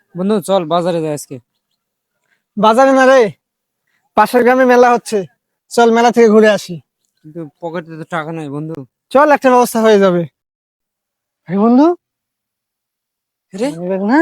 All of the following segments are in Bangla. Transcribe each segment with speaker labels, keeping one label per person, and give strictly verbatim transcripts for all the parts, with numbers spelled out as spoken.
Speaker 1: বন্ধু চল বাজারে যাই আজকে।
Speaker 2: বাজারে না রে, পাশের গ্রামে মেলা হচ্ছে, চল মেলা থেকে ঘুরে আসি।
Speaker 1: কিন্তু পকেটে তো টাকা নাই বন্ধু।
Speaker 2: চল, একটা ব্যবস্থা হয়ে যাবে। আরে বন্ধু,
Speaker 1: রে
Speaker 2: দেখ না।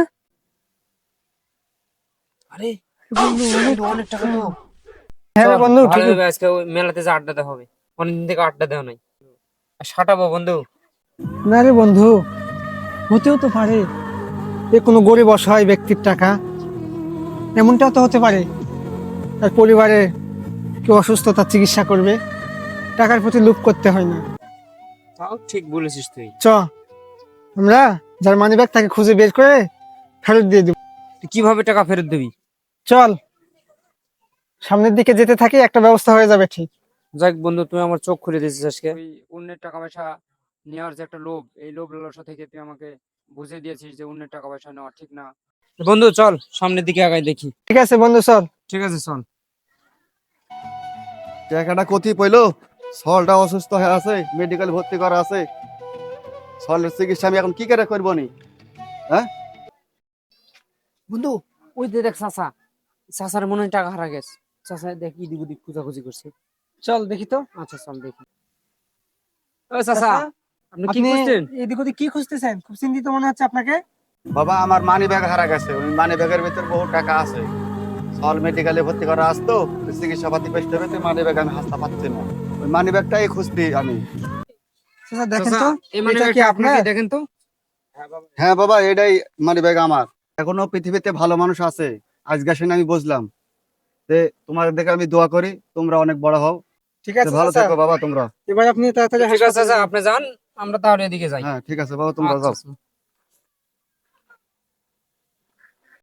Speaker 1: আরে
Speaker 2: বন্ধু, অনেক
Speaker 1: বন্ধু, অনেক টাকা তো।
Speaker 2: হ্যাঁ রে
Speaker 1: চল
Speaker 2: বন্ধু,
Speaker 1: ভালো
Speaker 2: ঠিকই।
Speaker 1: হবে আজকে ওই মেলাতে যে আড্ডা দেওয়া হবে, অনেকদিন থেকে আড্ডা দেওয়া নাই। আর সাটাবো বন্ধু।
Speaker 2: না রে বন্ধু, হতেও তো পারে এ কোনো গরিব অসহায় ব্যক্তির টাকা, এমনটাও তো হতে পারে তার পরিবারে কেউ অসুস্থ, তার চিকিৎসা করবে। টাকার প্রতি লোভ করতে হয় না।
Speaker 1: তাও ঠিক বলেছিস তুই।
Speaker 2: চ, আমরা যার মানি ব্যাগ তাকে খুঁজে বের করে ফেরত দিয়ে দিব।
Speaker 1: তুই কিভাবে টাকা ফেরত দিবি?
Speaker 2: চল, সামনের দিকে যেতে থাকি, একটা ব্যবস্থা হয়ে যাবে ঠিক।
Speaker 1: যাক বন্ধু, তুই আমার চোখ খুলে দিয়েছিস আজকে। ওই অন্যের টাকা পয়সা নেওয়ার যে একটা লোভ, এই লোভ লালসা থেকে তুই আমাকে বুঝিয়ে দিয়েছিস যে অন্যের টাকা পয়সা নেওয়া ঠিক না। বন্ধু চল সামনের দিকে আগাই দেখি।
Speaker 2: ঠিক আছে বন্ধু, চল।
Speaker 1: ঠিক আছে চল।
Speaker 3: টাকাটা কোথায় পইলো? সলটা অসুস্থ হয়ে আছে, মেডিকেল ভর্তি করা আছে। সলের চিকিৎসা আমি এখন কি করে করবো নি? হ্যাঁ,
Speaker 1: বন্ধু ওই যে দেখ চাচা, চাচার মনে হয় টাকা হারা গেছে। চাচা দেখ ইদিক উদিক খোঁজাখুঁজি করছে।
Speaker 2: চল দেখি তো।
Speaker 1: আচ্ছা চল দেখি। ও চাচা,
Speaker 2: চাচা,
Speaker 1: আপনি কি
Speaker 2: আপনি
Speaker 1: খুঁজছেন?
Speaker 2: এদিক ওদিক কি খুঁজতেছেন? খুব চিন্তিত মনে হচ্ছে আপনাকে।
Speaker 3: বাবা আমার মানি ব্যাগ হারা গেছে, ওই মানি ব্যাগের ভিতর বহু টাকা আছে। সল মেডিকেলে ভর্তি করা আসতো, চিকিৎসা পাতি পেতে হবে, তো মানি ব্যাগ আমি হাসতে পাচ্ছি না। ওই মানি ব্যাগটাই খুঁজছি আমি।
Speaker 2: চাচা দেখেন
Speaker 1: চাচা
Speaker 2: তো,
Speaker 1: এই মানে
Speaker 2: এটা কি
Speaker 1: আপনাকে
Speaker 2: আপনার?
Speaker 1: দেখেন তো।
Speaker 3: হ্যাঁ বাবা, এটাই মানি ব্যাগ আমার। এখনো পৃথিবীতে ভালো মানুষ আছে, আজকে শুনে আমি বুঝলাম। যে তোমার দেখে আমি দোয়া করি তোমরা অনেক বড় হও।
Speaker 2: ঠিক
Speaker 3: তো
Speaker 2: আছে
Speaker 3: ভালো
Speaker 2: চাচা,
Speaker 3: থেকো বাবা তোমরা।
Speaker 2: এবার আপনি তাড়াতাড়ি
Speaker 1: ঠিক আছে
Speaker 2: হাসপাতালে
Speaker 1: চাচা,
Speaker 2: যান।
Speaker 1: আপনি যান, আমরা তাহলে এদিকে যাই।
Speaker 3: হ্যাঁ ঠিক আছে বাবা, তোমরা
Speaker 1: আচ্ছা
Speaker 3: যাও।
Speaker 1: আচ্ছা।